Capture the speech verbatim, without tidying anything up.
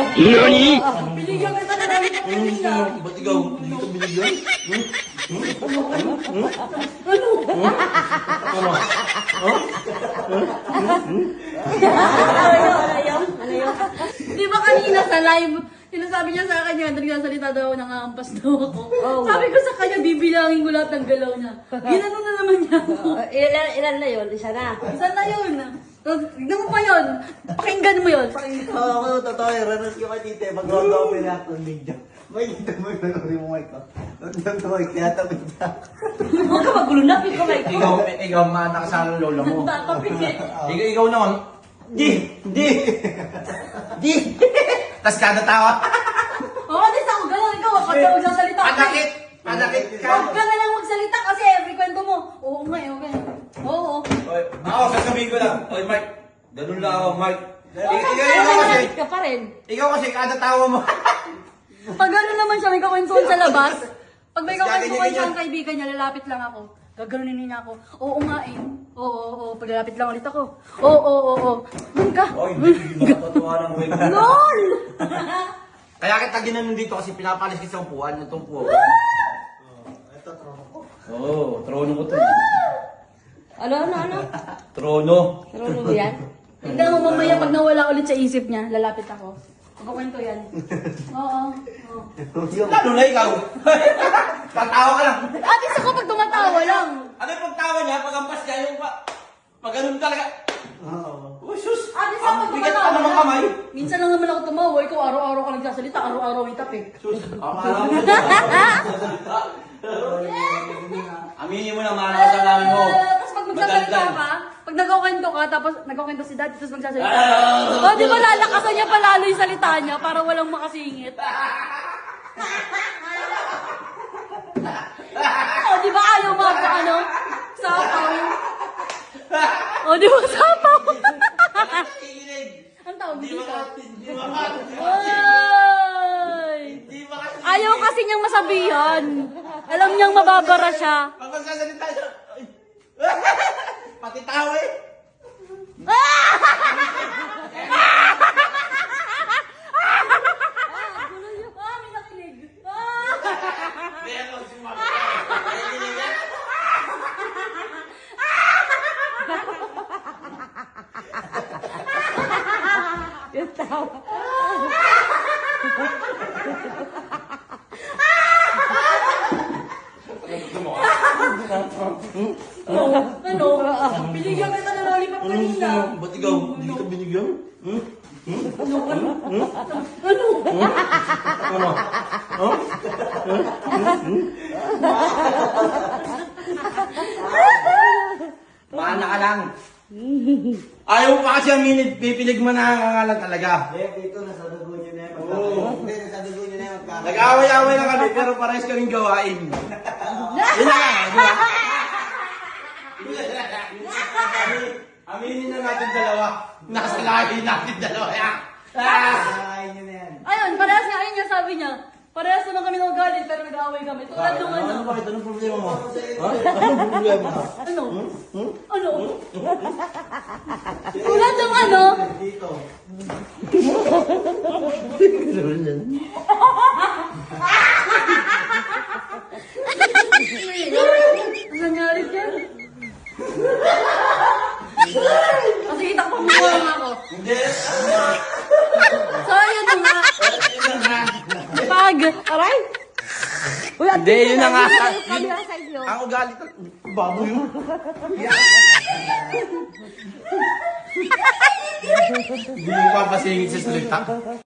Nani? Binigyan kita na namin ng kanina. Ba't ikaw? Hindi kita binigyan? Hmm? Hmm? Hmm? Ano? Ano? Ano yun? Ano yun? Ano yun? Di ba kanina sa live, sinasabi niya sa akin yan, nagsasalita daw ako, nangaampas daw ako. Oh. Sabi ko sa kanya, bibilangin ko lahat ng galaw niya. Ginano na naman niya ako. Uh, ilan, ilan na yun? Isa na. Saan na yun? Tignan mo pa yun. Pakinggan mo yun. Pakinggan. Oo, ako totoo eh. Ranas ko kay tite. Mag-round ako pala akong video. May dito mo yung yung mic ko. Ang mic, tiyatapit niya. Huwag ka magulo na, pick ko like ko. Ikaw, ikaw, maanak sa ng lola mo. Papapigil. Ikaw, ikaw naman, di, di, di. Tas kada tawa, Oo, di sa ako ganun. Ikaw, wag ka magsasalita. panakit, panakit ka. Huwag ka na lang magsalita kasi every kwento mo. Oo nga, eh, okay. Oo. Oy, ako, sasabihin ko lang. Oy, Mike, ganun lang ako, Mike. Oo, Ikaw, ikaw, kasi ikaw kasi, Nagalit ka pa rin. ikaw kasi kada tawa mo. Pag gano'n naman siya, may kakwentuhan sa labas. Pag may Mas kakwentuhan gaganyan siya ang kaibigan niya, lalapit lang ako. Gaganunin niya ako. Oo nga eh. Oo, oo, oo. Paglalapit lang ulit ako. Oo, oo, oo, oo. Doon ka. Oy, hindi, nakakatuwa lang, Mike. LOL! Kaya kita ginanon dito kasi pinapalis kita sa upuan, itong puwa. Ito, trono ko. Oo, oh, trono ko to. Ano, ano, ano? Trono. Trono mo yan? Tignan mo mamaya pag nawala ulit sa isip niya, lalapit ako. Magkukwento yan. Oo, oo. Lalo na ikaw. Tatawa ka lang. Atis ako pag tumatawa lang. Ano yung pagtawa niya? Pagampas niya yung pa... Pag ganun talaga. Oo. Oh, sus! Atis ako Ang pag bigat tumatawa ka naman kamay. lang. Minsan lang naman ako tumawa. Ikaw araw-araw ka nagsasalita. Araw-araw may tapik. Sus! Akala mo aminin mo na mahal ka sa namin mo. Ah, Tapos pag magsasalita Madaldal. ka, pag nagkukwento ka, tapos nagkukwento si dad, tapos magsasalita ka. Ah! O, di ba lalakasan niya palalo yung salita niya para walang makasingit? O, di ba ayaw mo ako, ano? Sapaw. O, di ba sapaw? Nakikinig. Ang tawag Hindi dito. makati. Hindi makati. Ay! Hindi makati. Ayaw kasi niyang masabihan. Alam niyang mababara siya. Pag magsasalita siya. ay. Pati tawa eh. Ah, may nakinig. Ah! Meron si Mama. Nakikinig yan. Yung tawa. Ano? Binigyan kita ng lollipop kanina. Ba't ikaw? Hindi kita binigyan? Hmm? Ano? Ano? Ano? Huh? Maana ka lang. Ayaw mo pa kasi aminin, pipilig mo na ang angalan talaga. Eh, dito, nasa dugo niyo na yan. Hindi, nasa dugo niyo na yan. Nag-away-away lang kami, pero parehas kaming gawain. Yun na nga, di ba? Aminin na natin dalawa. Nakasalahin natin dalawa. Ah! Kakain niyo na yan. Ayun, parehas nga yun niya sabi niya. Parehas naman kami ng galit pero nag-aaway kami. Tulad nung ano. Ano bakit? Anong problema mo? Ha? Anong problema mo? Ano? Ano? Tulad nung ano. Dito. Ano nangyari dyan? Kasi kita ko mukha lang ako. Hindi. So, ayun na nga. Pag, aray. Uy, at Hindi, yun na nga. Yung camera side nyo. Ang ugali ko. Baboy yun. Hindi mo papasingit sa salita.